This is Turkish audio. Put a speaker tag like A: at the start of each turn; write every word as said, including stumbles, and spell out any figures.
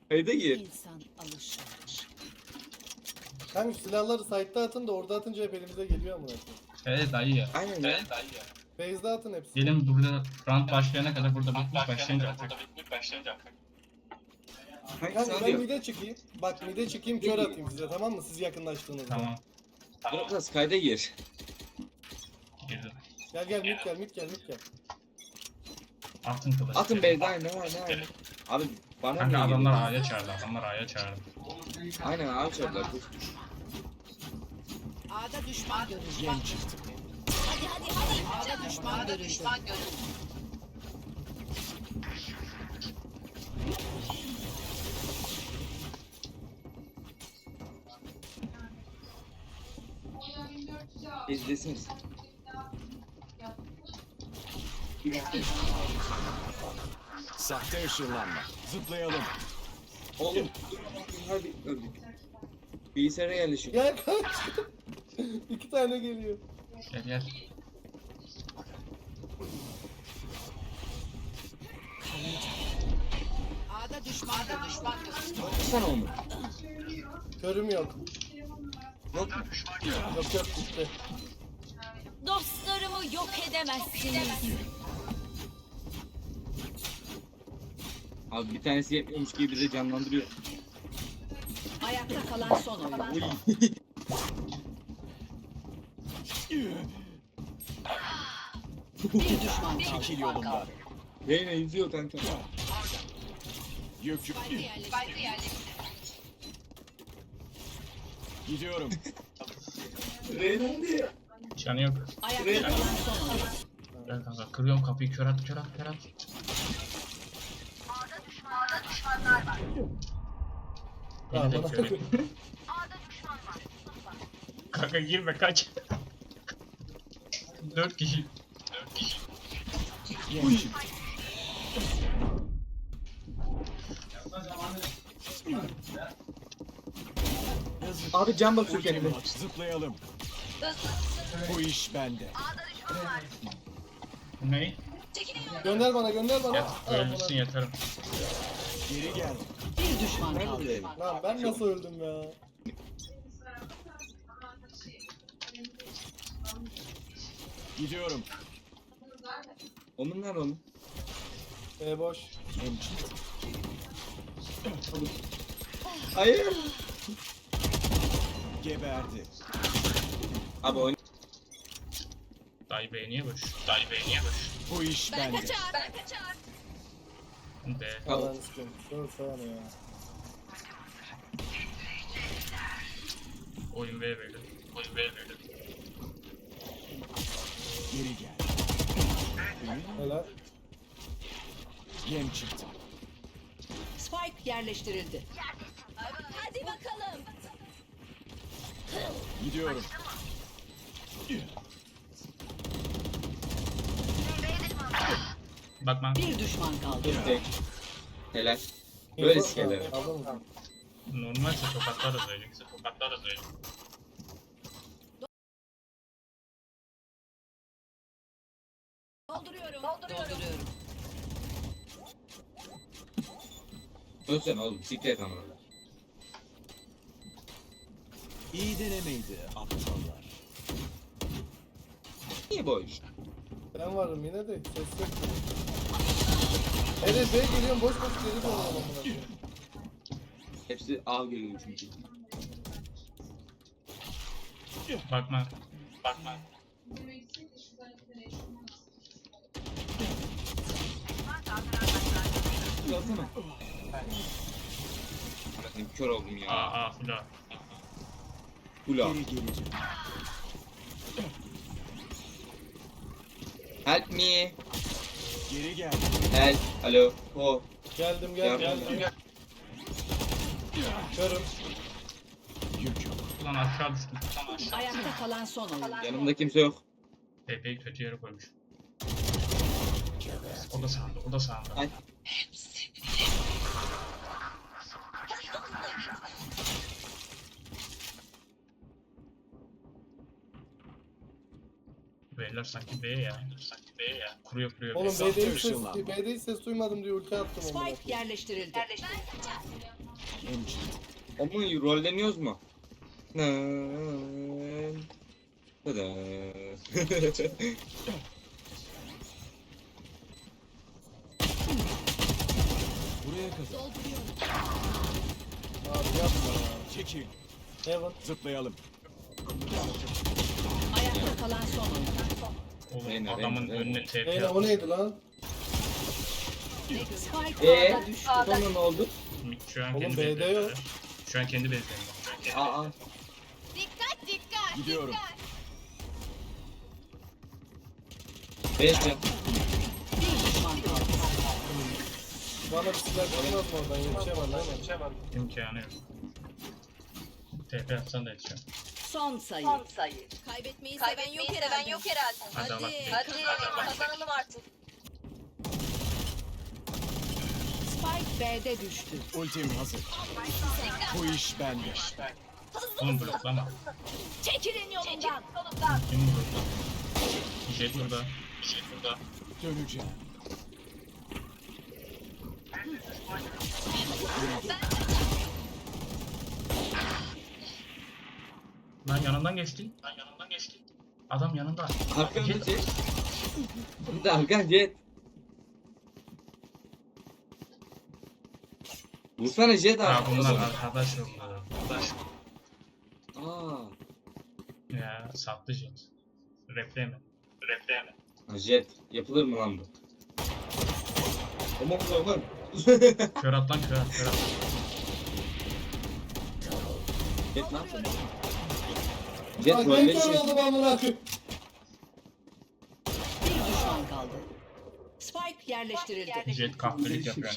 A: Kayda gir.
B: İnsan alışır.
C: Kanka silahları site'da atın da orada atınca hep elimize geliyor amına koyayım.
D: Evet dayı ya.
A: Aynen ya.
C: Base'de atın hepsini.
D: Gelin burada round başlayana kadar burada bitmiş başlayınca artık.
A: Hangisi
C: Kanka ben
A: alıyor?
C: mide çıkayım. Bak mide çıkayım kör atayım size, tamam mı? Siz yakınlaştığınızda.
D: Tamam.
A: Biraz kayda gir.
D: Girdim.
C: Gel gel mid gel mid gel mid gel.
D: Atın kılıç.
A: Atın B'de aynen ne var ne var. Abi bana
D: Kanka
A: niye
D: adamlar
A: geliyor?
D: A'ya çağırdı. Adamlar A'ya çağırdı.
A: Aynen abi çarplar.
B: A'da düşman görüldü. Hadi hadi hadi. A'da düşman görüldü.
A: İzlesiniz.
E: Sahte ışınlanma. Zıplayalım.
A: Oğlum dur bakayım hadi öldük. Bilgisayara yerleşiyor.
C: Gel kaç. İki tane geliyor.
D: Gel gel.
B: A'da düşman A'da düşman görüldü.
A: Baksana onu.
C: Körüm yok.
A: Yok.
C: Yok yok gitti.
B: Dostlarımı yok edemezsiniz.
A: Abi bir tanesi yetmiyormuş gibi bize canlandırıyor.
B: Ayakta kalan son oyuncu. Bir düşman kaldı.
E: Çekil yolumdan.
A: Reyna yüzüyor kanka.
E: Yük yük. Gidiyorum.
A: Reyna diyor.
D: Canı yok.
B: Ayakta kalan son oyuncu.
D: Gel kanka kırıyorum kapıyı kör at kör at kör at. Beni
C: Tamam,
D: de
C: bana-
D: kör et. Kanka girme kaç. Dört kişi.
E: Yem çıktı. Yazık.
A: Abi can basıyor
E: Ultim
A: kendine.
E: var. Zıplayalım. Bu iş bende.
D: Ne?
C: Gönder bana gönder bana.
D: Yat,
C: Al
D: ölmüşsün
C: bana.
D: yatarım.
E: Geri gel.
B: Bir düşman kaldı.
A: Nerede?
C: Lan ben nasıl öldüm ya?
E: Gidiyorum.
A: Onun nerede onun?
C: E boş.
E: Yem çıktı.
A: Hayır.
E: Geberdi.
A: Abi oyun.
D: Dayı beğeniye boş. Dayı beğeniye boş.
E: Bu iş bende.
D: Be.
C: Allah'ın istiyorum. Dur sana ya.
D: Oyun ver böyle. Oyun ver böyle.
E: Geri gel.
C: Helal.
E: Yem çıktı.
B: Spike yerleştirildi. Hadi bakalım.
E: Gidiyorum.
D: Bakma.
B: Bir düşman kaldı.
A: Tek. Helal. Böyle sikeler.
C: Aldın mı?
D: Normalse tokatlarız öyle. Tokatlarız öyle.
B: Dolduruyorum. Dolduruyorum.
A: Ölsene oğlum siklet ama.
E: İyi denemeydi aptallar.
A: Niye boş?
C: Ben varım yine de ses yok. Evet ben geliyorum boş boş geri dönüyorum amına koyayım.
A: Hepsi A geliyor çünkü.
D: Bakma. Bakma.
A: Alsana. Bakın kör oldum ya.
D: Aa aa fula.
A: Kula.
E: Geri geleceğim.
A: Help me.
E: Geri gel.
A: Help. Alo. Ho.
C: Geldim gel
A: Yardım.
C: geldim. Körüm.
E: Yük yok.
D: Ulan aşağı düştüm. Ulan aşağı.
B: Ayakta kalan son oyuncu.
A: Yanımda kimse yok.
D: Pepe'yi kötü yere koymuş. O da sağında, o da sağında.
A: Ay.
D: Beyler sanki B ya. Sanki B ya. Kuruyor kuruyor.
C: Oğlum
D: B.
C: B'de hiç ses,
E: ışınlanma.
C: B'de hiç ses duymadım diye ulti attım amına
B: Spike
C: koyayım.
B: yerleştirildi.
E: en çift.
A: Ama rolleniyoruz mu? Nın. Tadın.
E: Buraya kadar.
C: Abi yapma ya.
E: Çekil.
C: Heaven.
E: Zıplayalım.
B: Ayakta kalan son oyuncu.
D: Oğlum
A: Reyna,
D: adamın
A: Reyna,
D: önüne
A: Reyna.
D: T P
C: Reyna o
D: atmış.
C: neydi lan?
B: Spike
A: Eee?
B: A'da düştü.
A: Sonra ne oldu?
D: Şu an
C: Oğlum
D: kendi
C: B'de
D: bezlerinde.
C: yok.
D: Şu an kendi bezlerinde.
A: Aa.
F: Dikkat dikkat.
E: Gidiyorum.
A: Beşte.
B: Bir düşman kaldı.
C: Bana bir silah çıkmaz mı oradan? Yetişemem değil mi?
D: İmkanı yok. T P atsan da yetişiyor.
B: Son sayı.
F: Kaybetmeyi seven yok herhalde. Yok herhalde.
D: Hadi Allah.
F: Hadi kazanalım artık.
B: Spike B'de düştü.
E: Ultim hazır. Bu iş bende.
D: Oğlum bloklama.
F: Çekilin yolumdan.
D: Kim burada? Jet burada. Jet burada.
E: Döneceğim.
D: Lan yanından geçti. Lan yanından geçti. Adam yanında.
A: Arkamda
D: Jet.
A: jet. Bir de arkan jet. Vursana jet
D: Ha
A: abi.
D: bunlar arkadaş onlar. Arkadaş.
A: Aa.
D: Ya sattı Jet. Repleme. Repleme.
A: Ha, jet. Yapılır mı lan bu? Aman aman.
D: Kör at lan kör at kör at.
A: Jet ne yapıyor? Jet
C: Bak ben
A: rolleri
C: kör
A: şey.
C: oldum amına koyayım.
B: Bir düşman kaldı. Spike yerleştirildi.
D: Jet kahpelik yapıyor.